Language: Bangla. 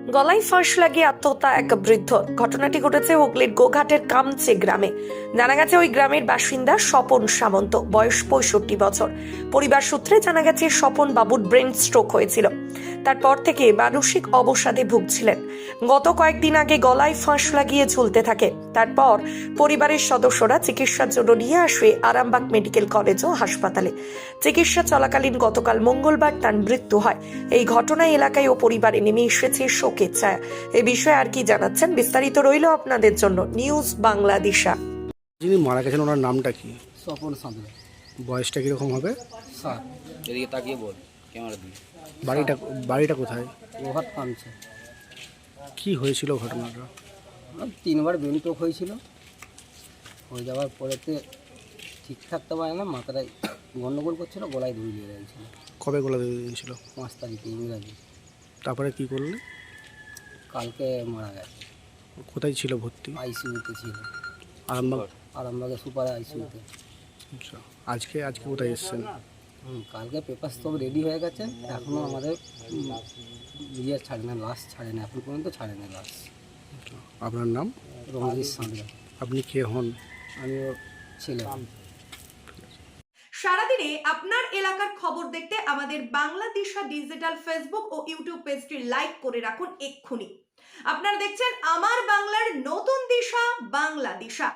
গলায় ফাঁস লাগিয়ে আত্মহত্যা এক বৃদ্ধ। ঘটনাটি ঘটেছে হুগলির গোঘাটের কামচে গ্রামে। জানা গেছে ওই গ্রামের বাসিন্দা স্বপন সামন্ত, বয়স 65 বছর। পরিবার সূত্রে জানা গেছে স্বপন বাবুর ব্রেন স্ট্রোক হয়েছিল। তারপর থেকে মানসিক অবসাদে ভুগছিলেন। গত কয়েকদিন আগে গলায় ফাঁস লাগিয়ে ঝুলতে থাকে। তারপর পরিবারের সদস্যরা চিকিৎসার জন্য নিয়ে আসে আরামবাগ মেডিকেল কলেজ ও হাসপাতালে। চিকিৎসা চলাকালীন গতকাল মঙ্গলবার তার মৃত্যু হয়। এই ঘটনায় এলাকায় ও পরিবারে নেমে এসেছে শোকের ছায়া। এ বিষয়ে আর কি জানাচ্ছেন, বিস্তারিত রইল আপনাদের জন্য নিউজ বাংলাদেশা। যিনি মারা গেছেন ওনার নামটা কি? স্বপন সাঁতরা। বয়সটা কিরকম হবে? স্যার এদিকে তাকিয়ে বল ক্যামেরা দিয়ে। বাড়িটা বাড়িটা কোথায়? গোহাট কামছে। কি হয়েছিল ঘটনাটা? 3বার ব্রেন স্ট্রোক হয়েছিল। হয়ে যাওয়ার পরেতে ঠিক থাকতে পারে না, মাথাটায় গন্ডগোল করছিল, গলায় দড়ি দিয়ে গেছিল। কবে গলা দিয়ে দিয়েছিল? 5 তারিখে ইংরাজি। তারপরে কি করলে? কালকে মারা গেছে। কোথায় ছিল ভর্তি? আইসিইউতে ছিল, আরামবাগ। আরামবাগে সুপার আইসিইউতে। আচ্ছা, আজকে আজকে কোথায় এসেছেন? কালকে পেপার সব রেডি হয়ে গেছে, এখনও আমাদের ইয়ে ছাড়ে না, লাশ ছাড়ে না, এখন পর্যন্ত ছাড়ে না লাশ। আপনার নাম? রঞ্জিত সাঁতরা। আপনি কে হন? আমি ওর ছেলে। সারাদিনে আপনার এলাকার খবর দেখতে আমাদের বাংলাদেশা ডিজিটাল ফেসবুক ও ইউটিউব পেজটি লাইক করে রাখুন এক্ষুনি। আপনারা দেখছেন আমার বাংলার নতুন দিশা, বাংলাদেশা।